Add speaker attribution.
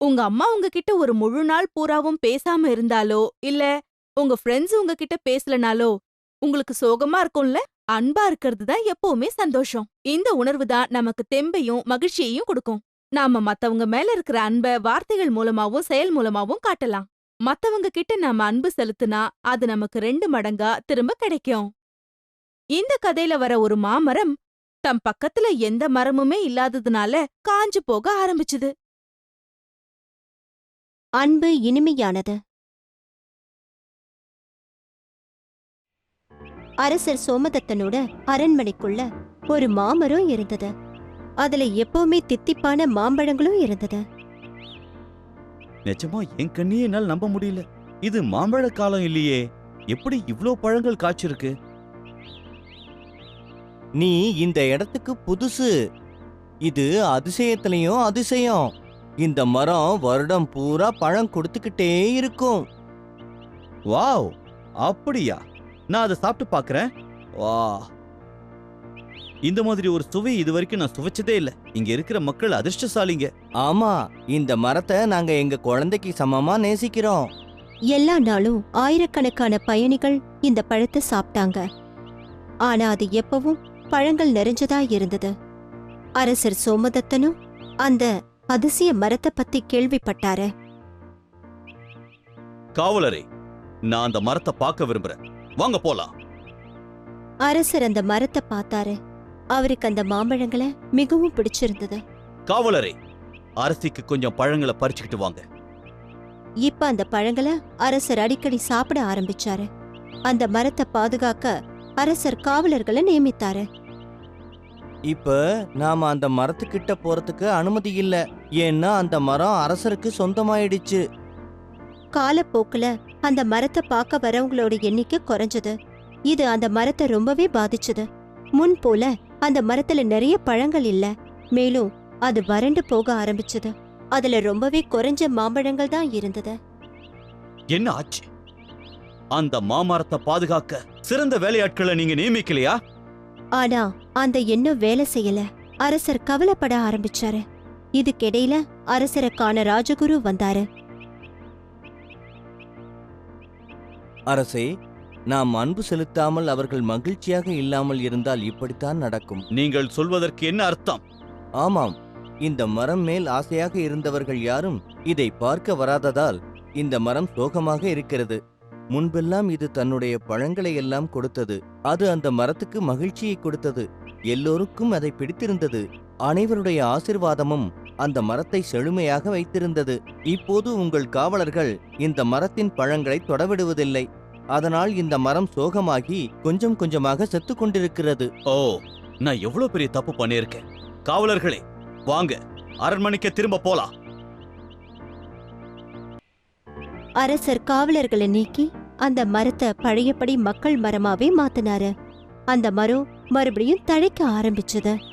Speaker 1: உங்க அம்மா உங்ககிட்ட ஒரு முழு நாள் பூராவும் பேசாம இருந்தாலோ, இல்ல உங்க ஃப்ரெண்ட்ஸ் உங்ககிட்ட பேசலனாலோ, உங்களுக்கு சோகமா இருக்கும்ல? அன்பா இருக்கிறது தான் எப்பவுமே சந்தோஷம். இந்த உணர்வு தான் நமக்கு தெம்பையும் மகிழ்ச்சியையும் கொடுக்கும். நாம மத்தவங்க மேல இருக்கிற அன்ப வார்த்தைகள் மூலமாவும் செயல் மூலமாவும் காட்டலாம். மத்தவங்க கிட்ட நாம அன்பு செலுத்துனா அது நமக்கு 2 மடங்கா திரும்ப கிடைக்கும். இந்த கதையில வர ஒரு மாமரம் தம் பக்கத்துல எந்த மரமுமே இல்லாததுனால காஞ்சு போக ஆரம்பிச்சுது.
Speaker 2: அன்பு இனிமையானது. அரசர் சோமதத்தனோட அரண்மனைக்குள்ள ஒரு மாமரம் இருந்தது. அதுல எப்பவுமே தித்திப்பான மாம்பழங்களும் இருந்தது.
Speaker 3: நிஜமா என் கண்ணியே என்னால் நம்ப முடியல. இது மாம்பழ காலம் இல்லையே, எப்படி இவ்ளோ பழங்கள் காய்ச்சிருக்கு?
Speaker 4: நீ இந்த இடத்துக்கு புதுசு. இது அதிசயத்திலையும் அதிசயம். இந்த மரம் வருடம் பூரா பழம் கொடுத்துக்கிட்டே இருக்கும்.
Speaker 3: வாவ், அப்படியா? நான் அதை சாப்பிட்டு பார்க்கறேன். வா, இந்த மாதிரி ஒரு சுவை இதுவரைக்கும் நான் சுவைச்சதே இல்ல. இங்க இருக்கிற மக்கள் அதிர்ஷ்டசாலிங்க.
Speaker 4: ஆமா, இந்த மரத்தை நாங்க எங்க குழந்தைக்கு சமமா நேசிக்கிறோம்.
Speaker 2: எல்லா நாளும் ஆயிரக்கணக்கான பயணிகள் இந்த பழத்தை சாப்பிட்டாங்க. ஆனா அது எப்பவும் பழங்கள் நிறைஞ்சதா இருந்தது. அரசர் சோமதத்தனும் அந்த அதிசய மரத்தை பத்தி கேள்விப்பட்டாரு.
Speaker 3: காவலரே, நான் அந்த மரத்தை பார்க்க விரும்புறேன். வாங்க போலாம்.
Speaker 2: அரசர் அந்த மரத்தை பார்த்தாரு. அவருக்கு அந்த மாம்பழங்களை மிகவும் பிடிச்சிருந்தது.
Speaker 3: காவலரே, அரசிக்கு கொஞ்சம் பழங்களை பறிச்சுக்கிட்டு வாங்க.
Speaker 2: இப்ப அந்த பழங்களை அரசர் அடிக்கடி சாப்பிட ஆரம்பிச்சாரு. அந்த மரத்தை பாதுகாக்க அரசர் காவலர்களை நியமித்தாரு.
Speaker 4: இப்ப நாம அந்த மரத்துக்கிட்ட போறதுக்கு அனுமதி இல்ல. ஏன்னா அந்த மரம் அரசருக்கு சொந்தமாயிடுச்சு.
Speaker 2: காலப்போக்குல அந்த மரத்தை பார்க்க வரவங்களோட எண்ணிக்கை குறைஞ்சது. இது அந்த மரத்தை ரொம்பவே பாதிச்சது. முன் போல அந்த மரத்துல நிறைய பழங்கள் இல்ல. மேலும் அது வறண்டு போக ஆரம்பிச்சது. அதுல ரொம்பவே குறைஞ்ச மாம்பழங்கள் தான் இருந்தது.
Speaker 3: என்ன ஆச்சு? அந்த மாமரத்தை பாதுகாக்க சிறந்த வேலையாட்களை நீங்க நியமிக்கலையா?
Speaker 2: ஆனா அந்த எண்ணம் வேலை செய்யல. அரசர் கவலைப்பட ஆரம்பிச்சாரு. இதுக்கிடையில அரசரை காண ராஜகுரு வந்தாரு.
Speaker 4: அரசே, நாம் அன்பு செலுத்தாமல் அவர்கள் மகிழ்ச்சியாக இல்லாமல் இருந்தால் இப்படித்தான் நடக்கும்.
Speaker 3: நீங்கள் சொல்வதற்கு என்ன அர்த்தம்?
Speaker 4: ஆமாம், இந்த மரம் மேல் ஆசையாக இருந்தவர்கள் யாரும் இதை பார்க்க வராததால் இந்த மரம் சோகமாக இருக்கிறது. முன்பெல்லாம் இது தன்னுடைய பழங்களை எல்லாம் கொடுத்தது. அது அந்த மரத்துக்கு மகிழ்ச்சியை கொடுத்தது. எல்லோருக்கும் அதை பிடித்திருந்தது. அனைவருடைய ஆசிர்வாதமும் அந்த மரத்தை செழுமையாக வைத்திருந்தது. இப்போது உங்கள் காவலர்கள் இந்த மரத்தின் பழங்களை தொடவிடுவதில்லை. அதனால் இந்த மரம் சோகமாகி கொஞ்சம் கொஞ்சமாக செத்து கொண்டிருக்கிறது.
Speaker 3: ஓ, நான் எவ்வளவு பெரிய தப்பு பண்ணியிருக்கேன். காவலர்களே, வாங்க, அரண்மனைக்கு திரும்ப போலாம்.
Speaker 2: அரசர் காவலர்களை நீக்கி அந்த மரத்தை பழையபடி மக்கள் மரமாவே மாத்தினாரு. அந்த மரம் மறுபடியும் தழைக்க ஆரம்பிச்சது.